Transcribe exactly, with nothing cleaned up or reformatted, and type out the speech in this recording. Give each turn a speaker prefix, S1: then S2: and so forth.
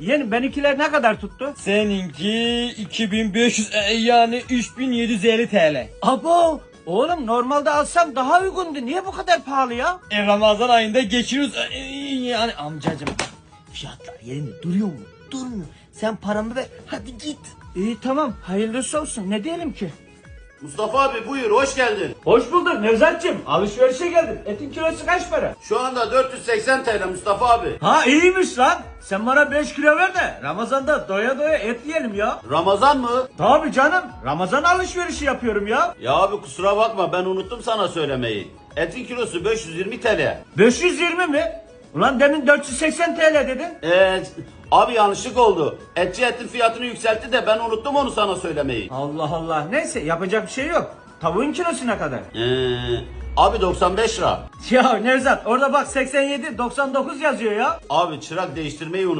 S1: Yeğenim benimkiler ne kadar tuttu?
S2: Seninki iki bin beş yüz e, yani üç bin yedi yüz elli T L.
S1: Abo! Oğlum normalde alsam daha uygundu. Niye bu kadar pahalı ya?
S2: E, Ramazan ayında geçiriyoruz e, yani amcacım.
S3: Fiyatlar yerinde duruyor mu? Durmuyor. Sen paramı ver, hadi git.
S1: İyi tamam. Hayırlısı olsun. Ne diyelim ki?
S4: Mustafa abi buyur, hoş geldin.
S1: Hoş bulduk Nevzat'cığım. Alışverişe geldim. Etin kilosu kaç para?
S4: Şu anda dört yüz seksen T L Mustafa abi.
S1: Ha iyiymiş lan. Sen bana beş kilo ver de Ramazan'da doya doya et yiyelim ya.
S4: Ramazan mı?
S1: Tabii canım. Ramazan alışverişi yapıyorum ya.
S4: Ya abi kusura bakma, ben unuttum sana söylemeyi. Etin kilosu beş yüz yirmi T L.
S1: beş yüz yirmi mi? Ulan demin dört yüz seksen T L dedin.
S4: Eee abi yanlışlık oldu. Etçi etin fiyatını yükseltti de ben unuttum onu sana söylemeyi.
S1: Allah Allah. Neyse yapacak bir şey yok. Tavuğun kilosu ne kadar?
S4: Eee abi doksan beş lira.
S1: Ya Nevzat orada bak seksen yedi doksan dokuz yazıyor ya.
S4: Abi çırak değiştirmeyi unuttum.